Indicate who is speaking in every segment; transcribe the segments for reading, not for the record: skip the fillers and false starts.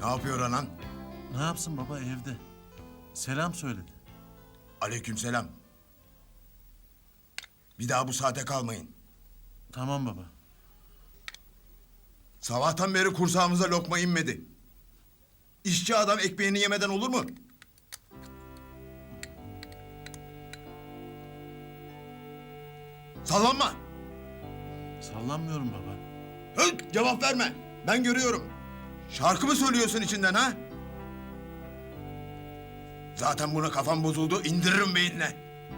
Speaker 1: Ne yapıyor anan?
Speaker 2: Ne yapsın baba, evde. Selam söyledi.
Speaker 1: Aleykümselam. Bir daha bu saate kalmayın.
Speaker 2: Tamam baba.
Speaker 1: Sabahtan beri kursağımıza lokma inmedi. İşçi adam ekmeğini yemeden olur mu? Sallanma.
Speaker 2: Sallanmıyorum baba.
Speaker 1: Höt, cevap verme. Ben görüyorum. Şarkı mı söylüyorsun içinden ha? Zaten buna kafam bozuldu. İndiririm beynine.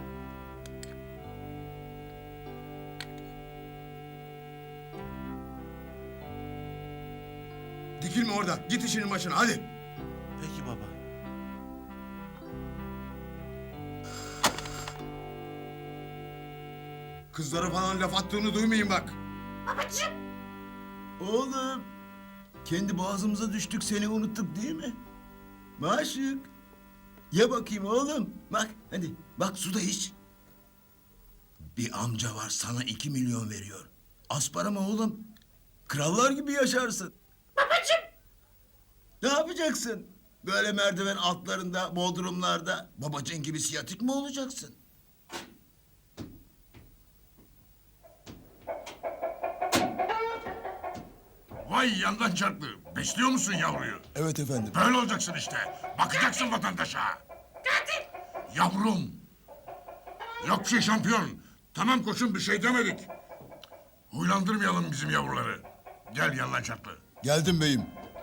Speaker 1: Dikilme orada. Git işinin başına hadi.
Speaker 2: Peki baba.
Speaker 1: Kızlara falan laf attığını duymayayım bak.
Speaker 3: Oğlum, kendi boğazımıza düştük, seni unuttuk değil mi? Maşık. Ye bakayım oğlum. Bak hadi, bak su da iç. Bir amca var, sana 2 milyon veriyor. Az para mı oğlum? Krallar gibi yaşarsın. Babacığım. Ne yapacaksın? Böyle merdiven altlarında, bodrumlarda babacığın gibi siyatik mi olacaksın?
Speaker 4: Vay yandan çarptı. Besliyor musun yavruyu?
Speaker 1: Evet efendim.
Speaker 4: Böyle olacaksın işte. Bakacaksın vatandaşa. Yavrum. Yok bir şey şampiyon. Tamam koçum bir şey demedik. Huylandırmayalım bizim yavruları. Gel yandan çarptı.
Speaker 1: Geldim beyim.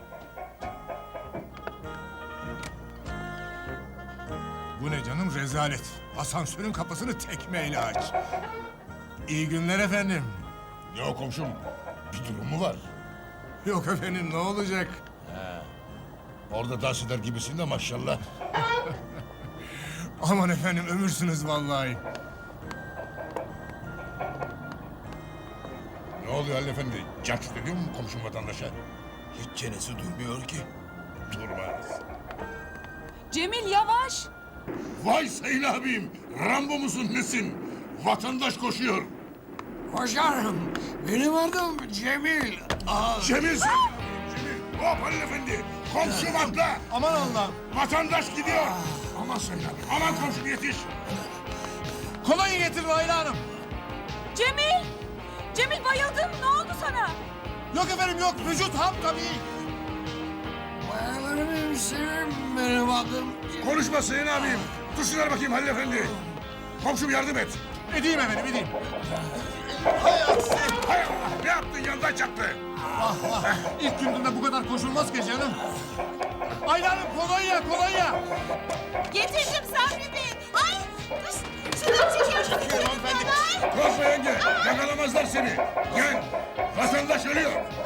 Speaker 5: Bu ne canım rezalet. Asansörün kapısını tekmeyle aç. İyi günler efendim.
Speaker 4: Ne o komşum? Bir durum mu var?
Speaker 5: Yok efendim ne olacak?
Speaker 4: Orada dans eder gibisin de maşallah.
Speaker 5: Aman efendim ömürsünüz vallahi.
Speaker 4: Ne oluyor Halil Efendi? Cahçut ediyor mu komşum vatandaşa?
Speaker 1: Hiç çenesi duymuyor ki.
Speaker 4: Durmaz.
Speaker 6: Cemil yavaş.
Speaker 4: Vay sayın abim. Rambo musun nesin? Vatandaş koşuyor.
Speaker 7: Hocam, benim adım Cemil.
Speaker 4: Cemil sen. Cemil. Hop Halil Efendi. Komşum atla.
Speaker 5: Aman Allah'ım.
Speaker 4: Vatandaş gidiyor. Aman sayın abim. Aman komşum yetiş.
Speaker 5: Kolonya getirin Ayla Hanım.
Speaker 6: Cemil. Cemil bayıldın. Ne oldu sana?
Speaker 5: Yok efendim yok. Vücut ham tabii.
Speaker 7: Bayanlarım hemşerim, benim adım
Speaker 4: Konuşma sayın abim. Tuşlar bakayım Halil Efendi. Komşum yardım et.
Speaker 5: Edeyim efendim edeyim.
Speaker 4: Hay Allah. Ne yaptın yandan çaktı.
Speaker 5: İlk günden bu kadar koşulmaz ki canım. Ayla Hanım kolonya kolonya.
Speaker 6: Getirdim Sabri Bey. Ay. Şuradan çekiyorum.
Speaker 4: Korkma yenge. Yakalamazlar seni. Gel. Vatandaş ölüyor.